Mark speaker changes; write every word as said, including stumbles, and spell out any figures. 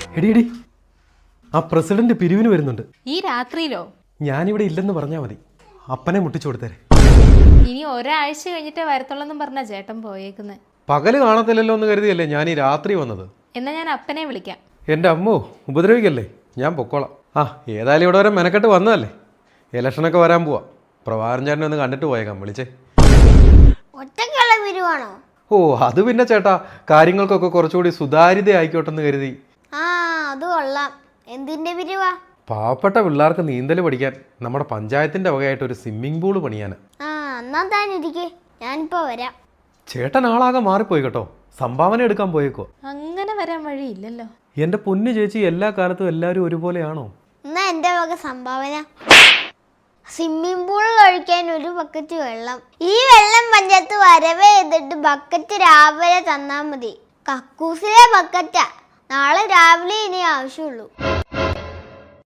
Speaker 1: എടി എടി ആ പ്രസിഡന്റ് പിരിവിന് വരുന്നുണ്ട്.
Speaker 2: ഈ രാത്രിയിലോ?
Speaker 1: ഞാനിവിടെ ഇല്ലെന്ന് പറഞ്ഞാൽ മതി, അപ്പനെ മുട്ടിച്ചു കൊടുത്തേരെ.
Speaker 2: ഇനി ഒരാഴ്ച കഴിഞ്ഞിട്ടേ വരത്തുള്ളെന്നും പറഞ്ഞ ചേട്ടൻ പോയേക്കുന്നത്.
Speaker 1: പകല് കാണത്തില്ലല്ലോ എന്ന് കരുതിയല്ലേ ഞാൻ ഈ രാത്രി വന്നത്.
Speaker 2: എന്നാ ഞാൻ അപ്പനെ വിളിക്കാം.
Speaker 1: എൻ്റെ അമ്മോ, ഉപദ്രവിക്കല്ലേ, ഞാൻ പൊക്കോളാം. ആ ഏതായാലും ഇവിടെ വരെ മെനക്കെട്ട് വന്നതല്ലേ, ഇലക്ഷനൊക്കെ വരാൻ പോവാ. പ്രഭാകരൻ ചേട്ടനെ ഒന്ന് കണ്ടിട്ട് പോയേക്കാം, വിളിച്ചേ.
Speaker 3: ഒറ്റക്കുള്ള പിരിവാണോ?
Speaker 1: ഓ അത് പിന്നെ ചേട്ടാ, കാര്യങ്ങൾക്കൊക്കെ കുറച്ചുകൂടി സുതാര്യത ആയിക്കോട്ടെന്ന് കരുതി.
Speaker 3: ആ അത് കൊള്ളാം. എന്തിന്റെ പിരിവാ?
Speaker 1: പാവപ്പെട്ട പിള്ളേർക്ക് നീന്തൽ പഠിക്കാൻ നമ്മുടെ പഞ്ചായത്തിന്റെ വകയായിട്ട് ഒരു സ്വിമ്മിംഗ് പൂള് പണിയാൻ.
Speaker 3: ആ എന്നാ താനിരിക്കെ, ഞാനിപ്പോ വരാം.
Speaker 1: ചേട്ടൻ ആളാകെ മാറിപ്പോയി കേട്ടോ, സംഭാവന എടുക്കാൻ പോയേക്കോ.
Speaker 2: അങ്ങനെ വരാൻ വഴിയില്ലല്ലോ.
Speaker 1: എൻ്റെ പൊന്നു ചേച്ചി, എല്ലാ കാലത്തും എല്ലാവരും ഒരുപോലെയാണോ?
Speaker 3: എന്നാ എന്റെ വക സംഭാവന സ്വിമ്മിംഗ് പൂളിൽ ഒഴിക്കാൻ ഒരു ബക്കറ്റ് വെള്ളം. ഈ വെള്ളം പഞ്ചായത്ത് വരവേ ചെയ്തിട്ട് ബക്കറ്റ് രാവിലെ തന്നാ മതി. കക്കൂസിലെ ബക്കറ്റാ, നാളെ രാവിലെ ഇനി ആവശ്യമുള്ളൂ.